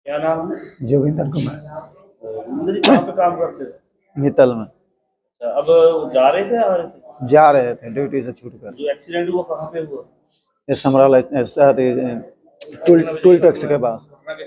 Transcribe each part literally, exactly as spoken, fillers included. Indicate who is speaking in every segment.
Speaker 1: क्या नाम है?
Speaker 2: जोगिंदर कुमार।
Speaker 1: जोगिंदर जी कहाँ पे काम करते थे?
Speaker 2: मित्तल में।
Speaker 1: अच्छा, अब जा रहे थे आ रहे थे?
Speaker 2: जा रहे थे ड्यूटी से छूट कर।
Speaker 1: जो एक्सीडेंट हुआ कहाँ पे हुआ?
Speaker 2: ये समराला टूल टूल टैक्स के पास।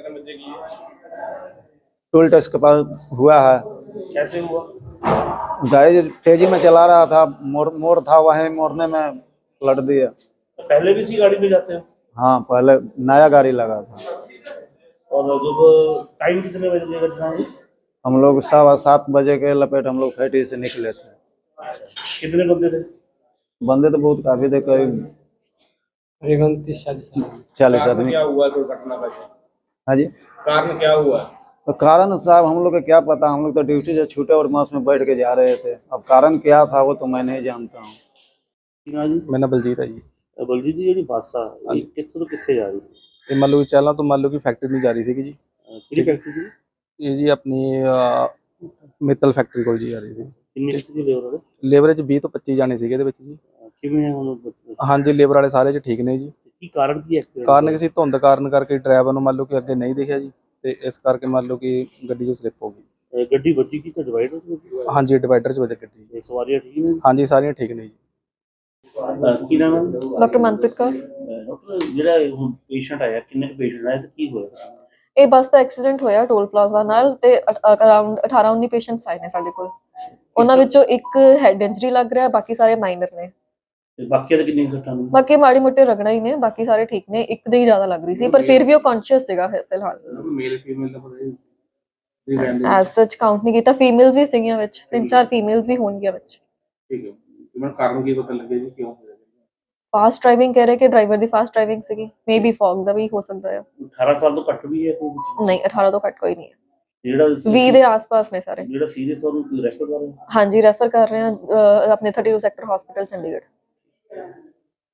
Speaker 2: टोल टैक्स के पास हुआ है।
Speaker 1: कैसे हुआ?
Speaker 2: गाड़ी तेजी में चला रहा था, मोड़ मोड़ था, वहीं मोड़ने में पलट दिया।
Speaker 1: तो पहले भी इसी गाड़ी में जाते हो?
Speaker 2: हाँ, पहले नया गाड़ी लगा था।
Speaker 1: और जब टाइम कितने बजे की घटना हुई?
Speaker 2: हम लोग सवा सात बजे के लपेट हम लोग फैक्ट्री से निकले थे।
Speaker 1: कितने बंदे थे?
Speaker 2: बंदे तो बहुत काफी थे, करीब चालीस आदमी।
Speaker 1: क्या हुआ दुर्घटना का?
Speaker 2: हाँ जी,
Speaker 1: कारण क्या हुआ?
Speaker 2: तो कारण साहब हम लोग को क्या पता, हम लोग तो ड्यूटी से छूटे और बस में बैठ के जा रहे थे। अब कारण क्या था वो तो मैं नहीं जानता हूँ।
Speaker 3: मेरा नाम बलजीत है जी।
Speaker 1: बलजीत जी, ਜਿਹੜੀ ਬੱਸ ਆ ਇਹ ਕਿੱਥੋਂ ਤੋਂ ਕਿੱਥੇ ਜਾ ਰਹੀ ਸੀ?
Speaker 3: ਇਹ ਮੰਨ ਲਓ ਕਿ ਚਾਲਾਂ ਤੋਂ ਮੰਨ ਲਓ ਕਿ ਫੈਕਟਰੀ ਨੂੰ ਜਾ ਰਹੀ ਸੀਗੀ ਜੀ।
Speaker 1: ਕਿਹੜੀ ਫੈਕਟਰੀ ਸੀ?
Speaker 3: ਇਹ ਜੀ ਆਪਣੀ ਮਿੱਤਲ ਫੈਕਟਰੀ ਕੋਲ ਜੀ ਜਾ ਰਹੀ ਸੀ।
Speaker 1: ਕਿੰਨੀ ਸੀ ਲੇਬਰ ਵਾਲੇ?
Speaker 3: ਲੇਬਰ 'ਚ ਵੀਹ ਤੋਂ ਪੱਚੀ ਜਾਣੇ ਸੀਗੇ ਇਹਦੇ ਵਿੱਚ ਜੀ।
Speaker 1: ਕਿਵੇਂ ਹੁਣ?
Speaker 3: ਹਾਂਜੀ, ਲੇਬਰ ਵਾਲੇ ਸਾਰੇ 'ਚ ਠੀਕ ਨੇ ਜੀ।
Speaker 1: ਕੀ ਕਾਰਨ ਕੀ ਐਕਸੀਡੈਂਟ?
Speaker 3: ਕਾਰਨ ਕਿਸੇ ਧੁੰਦ ਕਾਰਨ ਕਰਕੇ ਡਰਾਈਵਰ ਨੂੰ ਮੰਨ ਲਓ ਕਿ ਅੱਗੇ ਨਹੀਂ ਦਿਖਿਆ ਜੀ, ਤੇ ਇਸ ਕਰਕੇ ਮੰਨ ਲਓ ਕਿ ਗੱਡੀ ਜੋ ਸਲਿੱਪ ਹੋ ਗਈ।
Speaker 1: ਗੱਡੀ ਵੱਜੀ ਕੀ ਤੇ ਡਿਵਾਈਡਰ ਵਿੱਚ?
Speaker 3: ਹਾਂਜੀ, ਡਿਵਾਈਡਰ 'ਚ ਵੱਜ ਗੱਡੀ।
Speaker 1: ਇਹ ਸਵਾਰੀਆਂ ਠੀਕ ਨੇ?
Speaker 3: ਹਾਂਜੀ, ਸਾਰੀਆਂ ਠੀਕ ਨੇ ਜੀ।
Speaker 1: ਕੀ ਨਾਮ ਹੈ?
Speaker 4: ਡਾਕਟਰ ਮਨਪ੍ਰੀਤ ਕੌਰ।
Speaker 1: ਡਾਕਟਰ, ਜਿਹੜਾ ਹੁਣ ਪੇਸ਼ੈਂਟ ਆਇਆ, ਕਿੰਨੇ ਪੇਸ਼ੈਂਟ ਆਏ ਤੇ ਕੀ ਹੋਇਆ?
Speaker 4: ਇਹ ਬੱਸ ਦਾ ਐਕਸੀਡੈਂਟ ਹੋਇਆ ਟੋਲ ਪਲਾਜ਼ਾ ਨਾਲ, ਤੇ ਅਰਾਊਂਡ ਅਠਾਰਾਂ ਉੱਨੀ ਪੇਸ਼ੈਂਟਸ ਆਏ ਨੇ ਸਾਡੇ ਕੋਲ। ਉਹਨਾਂ ਵਿੱਚੋਂ ਇੱਕ ਹੈਡ ਇੰਜਰੀ ਲੱਗ ਰਿਹਾ, ਬਾਕੀ ਸਾਰੇ ਮਾਈਨਰ ਨੇ।
Speaker 1: ਤੇ ਬਾਕੀ ਦੇ ਕਿੰਨੇ ਸੱਟਾਂ ਨੇ?
Speaker 4: ਬਾਕੀ ਮਾੜੀ ਮੋਟੇ ਰਗੜਾ ਹੀ ਨੇ, ਬਾਕੀ ਸਾਰੇ ਠੀਕ ਨੇ। ਇੱਕ ਦੇ ਹੀ ਜ਼ਿਆਦਾ ਲੱਗ ਰਹੀ ਸੀ, ਪਰ ਫਿਰ ਵੀ ਉਹ ਕੌਨਸ਼ੀਅਸ ਸੀਗਾ ਫਿਲਹਾਲ।
Speaker 1: ਮੇਲ ਫੀਮੇਲ ਦਾ ਪਤਾ
Speaker 4: ਐਸ ਸੱਚ ਕਾਊਂਟ ਨਹੀਂ ਕੀਤਾ। ਫੀਮੇਲਸ ਵੀ ਸੀਗੀਆਂ ਵਿੱਚ, ਤਿੰਨ ਚਾਰ ਫੀਮੇਲਸ ਵੀ ਹੋਣਗੀਆਂ ਵਿੱਚ।
Speaker 1: ਠੀਕ ਹੈ। ਇਹਨਾਂ ਕਾਰਨ ਕੀ ਪਤਾ ਲੱਗੇ ਜੀ ਕਿਉਂ ਹੋਇਆ?
Speaker 4: ਫਾਸਟ ਡਰਾਈਵਿੰਗ ਕਹਿ ਰਹੇ ਕਿ ਡਰਾਈਵਰ ਦੀ ਫਾਸਟ ਡਰਾਈਵਿੰਗ ਸੀਗੀ। ਮੇਬੀ ਫੌਗ ਦਾ ਵੀ ਹੋ ਸਕਦਾ ਹੈ।
Speaker 1: ਅਠਾਰਾਂ ਸਾਲ ਤੋਂ ਘੱਟ ਵੀ ਹੈ ਕੋਈ?
Speaker 4: ਨਹੀਂ, ਅਠਾਰਾਂ ਤੋਂ ਘੱਟ ਕੋਈ ਨਹੀਂ ਹੈ।
Speaker 1: ਜਿਹੜਾ
Speaker 4: ਵੀਹ ਦੇ ਆਸ-ਪਾਸ ਨੇ ਸਾਰੇ।
Speaker 1: ਜਿਹੜਾ ਸੀਰੀਅਸ ਉਹਨੂੰ ਰੈਫਰ ਕਰ ਰਹੇ?
Speaker 4: ਹਾਂਜੀ, ਰੈਫਰ ਕਰ ਰਹੇ ਹਾਂ ਆਪਣੇ thirty two sector hospital Chandigarh.